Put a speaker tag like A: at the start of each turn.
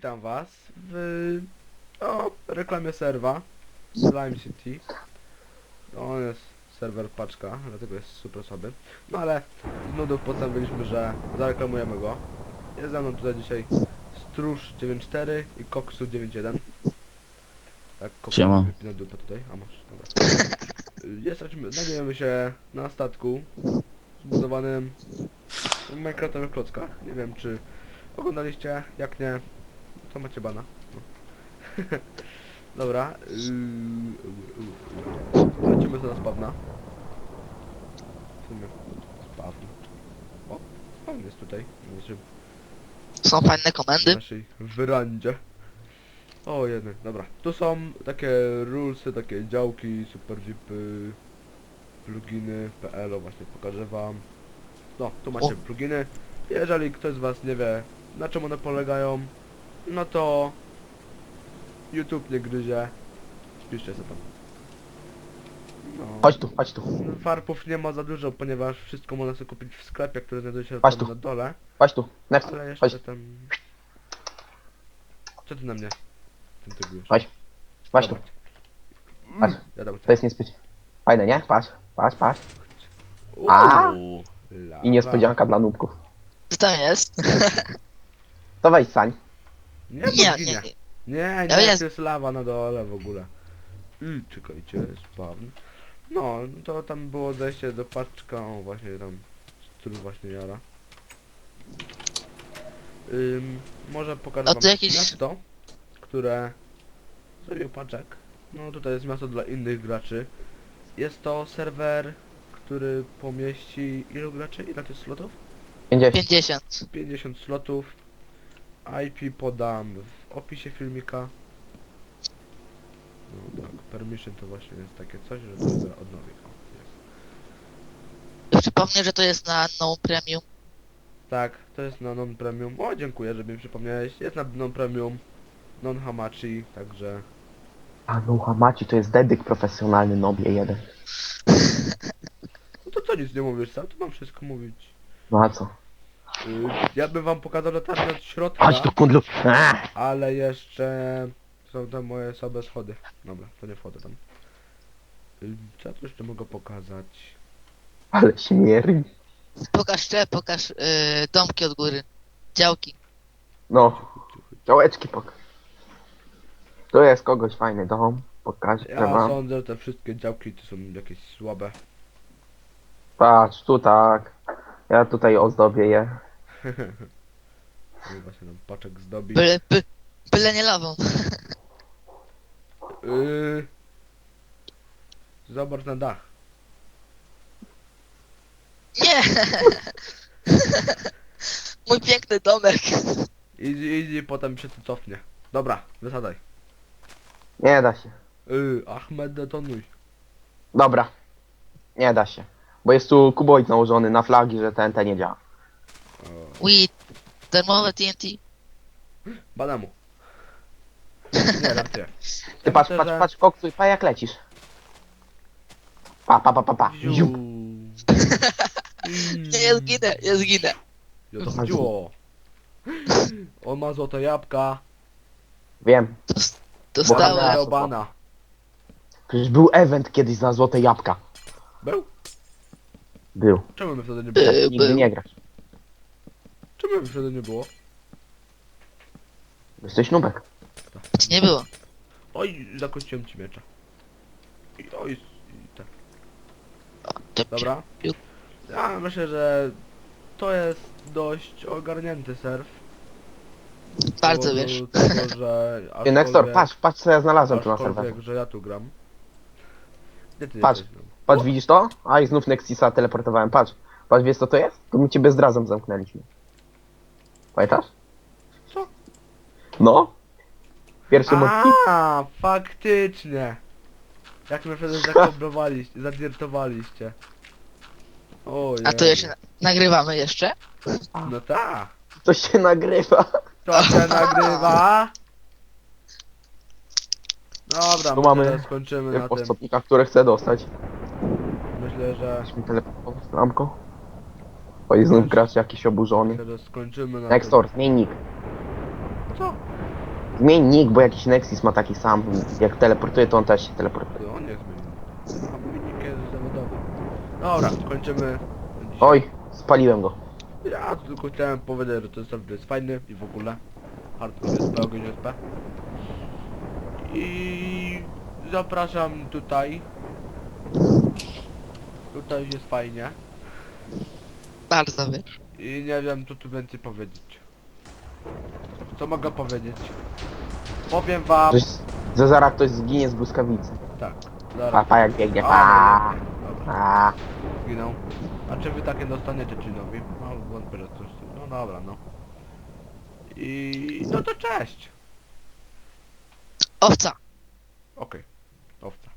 A: Witam was w reklamie serwa Slime City. On jest serwer paczka, dlatego jest super słaby. No ale z nudów postanowiliśmy, że zareklamujemy go. Jest ze mną tutaj dzisiaj Stróż 94 i Koksu 91. Tak, Koksu
B: Siema.
A: wypina dupę tutaj, a masz, dobra. Znajdujemy się na statku zbudowanym w Minecraftowych klockach. Nie wiem, czy oglądaliście, jak nie, to macie bana. No. Dobra. Lecimy sobie na spawna. W sumie spawn. O, spawn jest tutaj.
B: Są fajne
A: W
B: komendy.
A: naszej werandzie. O, jeden. Dobra. Tu są takie rulesy, takie działki, super vipy, pluginy, PL, właśnie pokażę wam. No, tu macie pluginy. Jeżeli ktoś z was nie wie, na czym one polegają, no to YouTube nie gryzie. Spiszcie sobie tam. No.
B: Chodź tu.
A: Farpów nie ma za dużo, ponieważ wszystko można sobie kupić w sklepie, który znajduje się
B: Chodź
A: tam
B: tu.
A: na dole.
B: Chodź tu. Next.
A: Ale jeszcze
B: Chodź.
A: tam... Co ty na mnie? Tym tygujesz?
B: Chodź. Chodź tu.
A: Dobra.
B: Chodź.
A: Ja dam
B: To jest niespecie. Fajne, nie? Patrz.
A: Uuu,
B: A!
A: lawa.
B: I niespodzianka dla nubków.
C: Co tam jest?
B: To weź sań.
A: Nie,
C: Nie,
A: bo
C: nie,
A: ginie.
C: nie.
A: Nie,
C: Ja
A: nie,
C: jest-
A: to jest lawa na dole w ogóle. Czekajcie, spawn. No, to tam było zejście do paczka, o właśnie tam, który właśnie jara. Może pokażę
C: A
A: wam
C: to jakieś-
A: miasto, które zrobił paczek. No tutaj jest miasto dla innych graczy. Jest to serwer, który pomieści ilu graczy? Ile to jest slotów?
B: 50.
C: 50.
A: 50 slotów. IP podam w opisie filmika. No tak, permission to właśnie jest takie coś, że to zaraz odnowię. O, jest.
C: Przypomnę, że to jest na no premium.
A: Tak, to jest na non-premium. O, dziękuję, że mi przypomniałeś. Jest na non-premium, non-hamachi, także...
B: A no Hamachi to jest dedyk profesjonalny nobie jeden.
A: No to co nic nie mówisz, sam to mam wszystko mówić.
B: No a co?
A: Ja bym wam pokazał latarnię od środka,
B: Chodź tu kundlu.
A: ale jeszcze są tam moje słabe schody. Dobra, to nie wchodzę tam. Co ja tu jeszcze mogę pokazać?
B: Ale śmierdzi.
C: Pokaż domki od góry. Działki.
B: No. Działeczki To jest kogoś fajny dom. Pokażę
A: Ja
B: wam.
A: sądzę, że te wszystkie działki to są jakieś słabe.
B: Patrz, tu tak. Ja tutaj ozdobię je.
A: Chyba się nam paczek zdobi.
C: Byle nie lawą.
A: Zobacz na dach.
C: Nie! Mój piękny domek.
A: Idź, potem się tu cofnie. Dobra, wysadzaj.
B: Nie da się.
A: Ahmed, detonuj.
B: Dobra. Nie da się. Bo jest tu kuboid nałożony na flagi, że TNT nie działa.
C: Weed. Darmowe TNT.
A: Badamu. Nie, żartuję.
B: Ty
A: Ja
B: patrz,
A: myślę,
B: patrz,
A: że-
B: patrz, koksuj, pa jak lecisz. Pa.
A: Ziu.
B: Ziup.
C: Nie, ja zginę.
A: Ja to chodziło. On ma złote jabłka.
B: Wiem.
C: Dostałem.
B: Bohater.
A: Do bana.
B: Przecież był event kiedyś za złote jabłka.
A: Był?
B: Był.
A: Czemu my wtedy nie było?
B: Nigdy nie grasz.
A: Czemu my wtedy nie było?
B: Jesteś nubek.
C: Nie było.
A: Oj, zakończyłem ci miecza. Oj, tak.
C: To
A: Dobra.
C: piu.
A: Ja myślę, że to jest dość ogarnięty serw.
C: Bardzo
A: Z powodu
C: wiesz.
A: Tego, że
B: Ty, Nextor, patrz co ja znalazłem tu na
A: aczkolwiek,
B: serwerze.
A: że ja tu gram. Gdzie ty
B: Patrz.
A: jesteś? No?
B: Patrz, widzisz to? A i znów Nexisa teleportowałem, patrz. Patrz, wiesz co to jest? To my cię bezrazem zamknęliśmy. Pamiętasz?
A: Co?
B: No. Pierwszy odcinek.
A: A, faktycznie. Jak mnie wtedy zakobrowaliście, zadirtowaliście. O
C: A to jeszcze nagrywamy jeszcze?
A: No tak.
B: To się nagrywa.
A: To się nagrywa. Dobra,
B: Tu
A: myślę,
B: mamy
A: że skończymy na tym.
B: Postopnika, które chcę dostać.
A: Myślę, że...
B: Weź mi teleportować bramko. O i znów gracz jakiś oburzony.
A: Myślę, że skończymy na
B: Nextor, zmień nick.
A: tym. Co?
B: Zmień nick, bo jakiś Nexus ma taki sam. Jak teleportuje, to on też się teleportuje.
A: To on jest zmieniony. A wynik jest zawodowy. Dobra, kończymy. Dzisiaj.
B: Oj, spaliłem go.
A: Ja tylko chciałem powiedzieć, że ten serwer jest fajny i w ogóle. Hardcore jest P, ogień jest P. I zapraszam tutaj. Tutaj jest fajnie.
C: Bardzo wiesz.
A: I nie wiem co tu więcej powiedzieć. Co mogę powiedzieć? Powiem wam.
B: Że zaraz ktoś zginie z błyskawicy.
A: Tak,
B: Pa,
A: zaraz.
B: pa jak biegnie,
A: O,
B: pa.
A: dobra,
B: Pa.
A: zginął. A czy wy takie dostaniecie czynowi? No wątpię, że coś. No dobra, no. I no to cześć.
C: Owca.
A: Okej, owca.